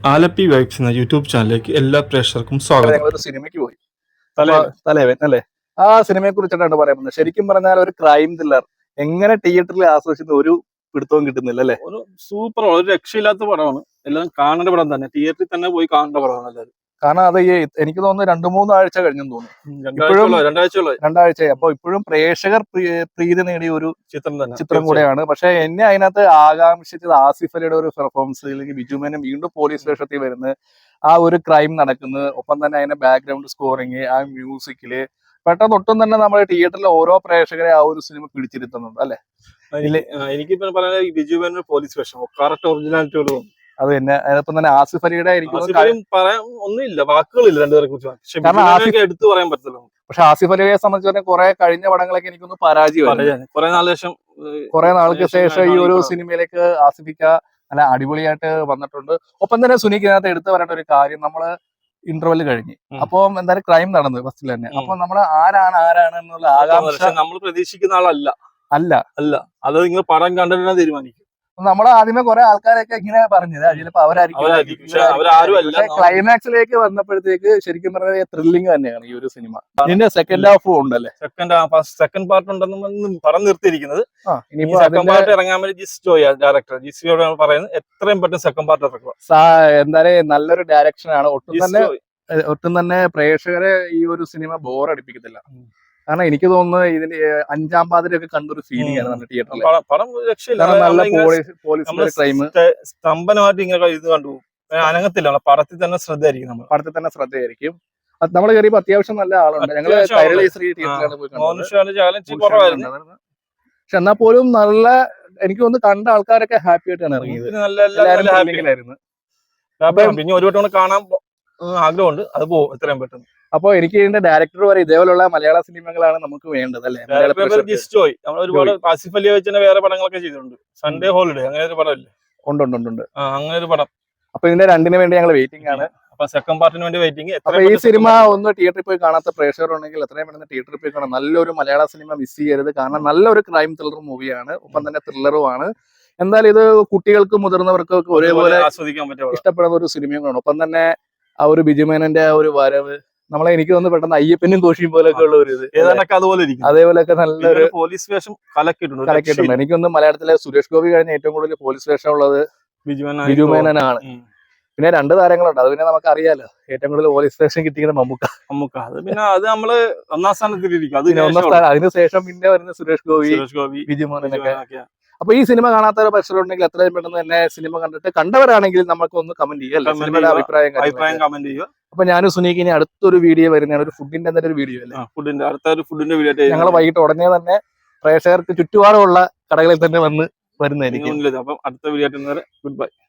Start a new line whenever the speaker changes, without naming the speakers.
Alleppey vibes എന്ന YouTube ചാനലിലേക്ക് എല്ലാ പ്രേക്ഷകർക്കും സ്വാഗതം.
ഞങ്ങളൊരു സിനിമയ്ക്ക് പോയി, തലേവൻ അല്ലെ. ആ സിനിമയെ കുറിച്ചിട്ടാണ് പറയുന്നത്. ശരിക്കും പറഞ്ഞാൽ ഒരു ക്രൈം ത്രില്ലർ എങ്ങനെ തിയേറ്ററിൽ ആസ്വദിക്കുന്ന ഒരു പിടുത്തവും കിട്ടുന്നില്ല അല്ലെ.
ഒരു സൂപ്പർ, ഒരു രക്ഷയില്ലാത്ത പടമാണ്. എല്ലാം കാണേണ്ട പടം തന്നെ, തിയേറ്ററിൽ തന്നെ പോയി കാണേണ്ട പടമാണ് എല്ലാവരും.
കാരണം അത് എനിക്ക് തോന്നുന്നു 2-3 ആഴ്ച കഴിഞ്ഞെന്ന് തോന്നുന്നു, രണ്ടാഴ്ച. അപ്പൊ ഇപ്പോഴും പ്രേക്ഷകർ പ്രീതി നേടിയ ഒരു ചിത്രം കൂടെയാണ്. പക്ഷെ എന്നെ അതിനകത്ത് ആകാംക്ഷിച്ചത് ആസിഫ് അലിയുടെ ഒരു പെർഫോമൻസ്, അല്ലെങ്കിൽ ബിജു മേനൻ വീണ്ടും പോലീസ് വേഷത്തിൽ വരുന്നത്, ആ ഒരു ക്രൈം നടക്കുന്നത്, ഒപ്പം തന്നെ അതിന്റെ ബാക്ക്ഗ്രൗണ്ട് സ്കോറിങ്, ആ മ്യൂസിക്കില് പെട്ടെന്ന് ഒട്ടും തന്നെ നമ്മൾ തിയേറ്ററിലെ ഓരോ പ്രേക്ഷകരെ ആ ഒരു സിനിമ പിടിച്ചിരുത്തുന്നുണ്ട് അല്ലെ.
എനിക്കിപ്പോ പറയാൻ ബിജു മേനൻ പോലീസ് വേഷം കറക്റ്റ് ഒറിജിനാലിറ്റി.
അത് തന്നെ. അതിനൊപ്പം തന്നെ ആസിഫ് അലിയുടെ
പറയാൻ ഒന്നുമില്ല, വാക്കുകളില്ല രണ്ടുപേരെ കുറിച്ച് എടുത്തു പറയാൻ പറ്റില്ല.
പക്ഷെ ആസിഫ് അലിയെ സംബന്ധിച്ച് പറഞ്ഞാൽ കുറെ കഴിഞ്ഞ പടങ്ങളൊക്കെ എനിക്കൊന്ന് പരാജയമായി. കുറെ നാൾക്ക് ശേഷം ഈ ഒരു സിനിമയിലേക്ക് ആസിഫിക്ക നല്ല അടിപൊളിയായിട്ട് വന്നിട്ടുണ്ട്. ഒപ്പം തന്നെ സുനിക്കിനകത്ത് എടുത്തു പറയേണ്ട ഒരു കാര്യം, നമ്മള് ഇന്റർവെല് കഴിഞ്ഞ് അപ്പൊ എന്തായാലും ക്രൈം നടന്നു ഫസ്റ്റിൽ തന്നെ. അപ്പൊ നമ്മള് ആരാണ് എന്നുള്ള ആകാംക്ഷ
നമ്മൾ പ്രതീക്ഷിക്കുന്ന ആളല്ല
അല്ല
അല്ല അത് നിങ്ങൾ പടം കണ്ടിട്ട് തീരുമാനിക്കും.
നമ്മള് ആദ്യമേ കുറെ ആൾക്കാരൊക്കെ ഇങ്ങനെ പറഞ്ഞത് ചിലപ്പോ അവരായിരിക്കും. ക്ലൈമാക്സിലേക്ക് വന്നപ്പോഴത്തേക്ക് ശരിക്കും പറഞ്ഞാൽ ത്രില്ലിംഗ് തന്നെയാണ് ഈ ഒരു സിനിമ. ഇതിന്റെ സെക്കൻഡ് ഹാഫ് ഉണ്ടല്ലേ,
സെക്കൻഡ് പാർട്ട് ഉണ്ടെന്ന് പറഞ്ഞു നിർത്തിയിരിക്കുന്നത്. സെക്കൻഡ് പാർട്ട് ഇറങ്ങാൻ വേണ്ടി ഡയറക്ടർ ജിസിയോട് പറയുന്നത് എത്രയും പെട്ടെന്ന് സെക്കൻഡ് പാർട്ട് ഇറക്കുക.
എന്തായാലും നല്ലൊരു ഡയറക്ഷൻ ആണ്. ഒട്ടും തന്നെ പ്രേക്ഷകരെ ഈ ഒരു സിനിമ ബോറടിപ്പിക്കത്തില്ല. കാരണം എനിക്ക് തോന്നുന്നു ഇതിന്റെ 5-ാം പാതിരയൊക്കെ കണ്ടൊരു ഫീലിംഗ് ആണ് നമ്മുടെ തിയേറ്ററിൽ. നല്ല പോലീസ് ക്രൈം
സ്തംഭനമായിട്ട് ഇങ്ങനെ ഇത് കണ്ടു അനങ്ങത്തില്ല. പടത്തിൽ തന്നെ ശ്രദ്ധയായിരിക്കും.
നമ്മൾ കയറിയപ്പോ അത്യാവശ്യം നല്ല ആളുണ്ട്. ഞങ്ങള് കൈരളി ശ്രീ തിയേറ്ററിലാണ് പോയി കണ്ടത്. പക്ഷെ എന്നാൽ പോലും നല്ല, എനിക്ക് തോന്നുന്നു കണ്ട ആൾക്കാരൊക്കെ ഹാപ്പി ആയിട്ടാണ് ഇറങ്ങിയത്.
പിന്നെ ഒരു വട്ടം കാണാൻ ആഗ്രഹമുണ്ട്, അത് പോകും എത്രയും പെട്ടെന്ന്.
അപ്പൊ എനിക്ക് ഇതിന്റെ ഡയറക്ടർ പറയും ഇതേപോലുള്ള മലയാള സിനിമകളാണ് നമുക്ക് വേണ്ടത് അല്ലെ.
ഒരുപാട് ആസിഫ് അലി വെച്ച് വേറെ പടങ്ങളൊക്കെ ചെയ്തിട്ടുണ്ട്. സൺഡേ ഹോളിഡേ അങ്ങനെ ഒരു പടം
ഉണ്ട്
അങ്ങനെ ഒരു പടം.
അപ്പൊ ഇതിന്റെ രണ്ടിന് വേണ്ടി ഞങ്ങൾ വെയിറ്റിംഗ് ആണ്.
അപ്പൊ സെക്കൻഡ് പാർട്ടിന് വേണ്ടി വെയിറ്റിംഗ്.
അപ്പൊ ഈ സിനിമ ഒന്ന് തിയേറ്ററിൽ പോയി കാണാത്ത പ്രേക്ഷകർ ഉണ്ടെങ്കിൽ എത്രയും പെട്ടെന്ന് തിയേറ്ററിൽ പോയി കാണാം. നല്ലൊരു മലയാള സിനിമ മിസ് ചെയ്യരുത്. കാരണം നല്ലൊരു ക്രൈം ത്രില്ലർ മൂവിയാണ്, ഒപ്പം തന്നെ ത്രില്ലറുമാണ്. എന്തായാലും ഇത് കുട്ടികൾക്കും മുതിർന്നവർക്കും ഒക്കെ ഒരേപോലെ
ആസ്വദിക്കാൻ പറ്റും,
ഇഷ്ടപ്പെടുന്ന ഒരു സിനിമയും കാണും. ഒപ്പം തന്നെ ആ ഒരു ബിജു മേനന്റെ ആ ഒരു വരവ് നമ്മളെ എനിക്ക് തോന്നുന്നു പെട്ടെന്ന് അയ്യപ്പനും കോശിയും പോലൊക്കെ ഉള്ള ഒരു ഇത് അതേപോലെയൊക്കെ നല്ലൊരു
പോലീസ് വേഷം കലക്കിയിട്ടുണ്ട്.
എനിക്കൊന്ന് മലയാളത്തിലെ സുരേഷ് ഗോപി കഴിഞ്ഞ ഏറ്റവും കൂടുതൽ പോലീസ് വേഷം ഉള്ളത് ബിജു മേനനാണ്. പിന്നെ 2 താരങ്ങളുണ്ട്, അത് പിന്നെ നമുക്ക് അറിയാലോ. ഏറ്റവും കൂടുതൽ പോലീസ് വേഷം കിട്ടിയത് മമ്മൂക്ക.
അത് പിന്നെ അത് നമ്മള് ഒന്നാം സ്ഥാനത്തിലിരിക്കും.
അതിനുശേഷം പിന്നെ വരുന്ന സുരേഷ് ഗോപി, ബിജു മേനനൊക്കെ. അപ്പൊ ഈ സിനിമ കാണാത്ത പ്രശ്നമുണ്ടെങ്കിൽ എത്രയും പെട്ടെന്ന് തന്നെ സിനിമ കണ്ടിട്ട് കണ്ടവരാണെങ്കിൽ നമുക്ക് ഒന്ന് കമന്റ് ചെയ്യാം, സിനിമയുടെ അഭിപ്രായം
കമന്റ് ചെയ്യുക.
അപ്പൊ ഞാനും സുനീക്ക് ഇനി അടുത്തൊരു വീഡിയോ വരുന്നതാണ്, ഒരു ഫുഡിന്റെ എന്തെങ്കിലും ഒരു വീഡിയോ അല്ലേ.
ഫുഡിന്റെ വീഡിയോ
ഞങ്ങൾ വൈകിട്ട് ഉടനെ തന്നെ പ്രേക്ഷകർക്ക് ചുറ്റുപാടുമുള്ള കടകളിൽ തന്നെ വരുന്നതായിരിക്കും.
അപ്പം അടുത്ത വീഡിയോ ഗുഡ് ബൈ.